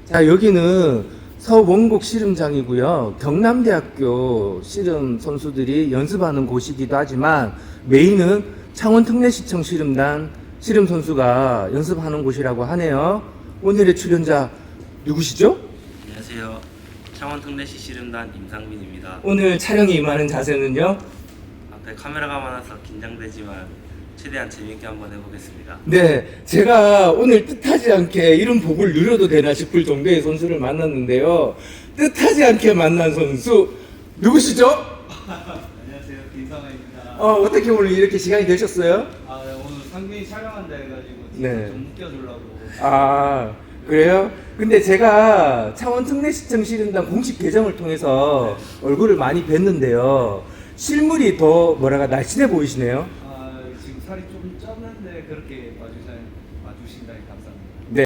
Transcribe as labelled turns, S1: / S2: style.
S1: 자, 여기는 서원곡 씨름장이고요. 경남대학교 씨름 선수들이 연습하는 곳이기도 하지만 메인은 창원특례시청 씨름단 씨름 선수가 연습하는 곳이라고 하네요. 오늘의 출연자 누구시죠?
S2: 안녕하세요. 창원특례시 씨름단 임상민입니다.
S1: 오늘 촬영에 임하는 자세는요?
S2: 앞에 카메라가 많아서 긴장되지만 최대한 재밌게 한번 해보겠습니다.
S1: 네, 제가 오늘 뜻하지 않게 이런 복을 누려도 되나 싶을 정도의 선수를 만났는데요. 뜻하지 않게 만난 선수 누구시죠?
S3: 안녕하세요, 김상아입니다.
S1: 어떻게 오늘 이렇게 시간이 되셨어요?
S3: 네, 오늘 상민이 촬영한다 해가지고
S1: 네.
S3: 좀 웃겨주려고.
S1: 아, 그래요? 근데 제가 창원특례시청 씨름단 공식 계정을 통해서 얼굴을 많이 뵀는데요. 실물이 더 날씬해 보이시네요.
S3: 지금 살이 좀 쪘는데 그렇게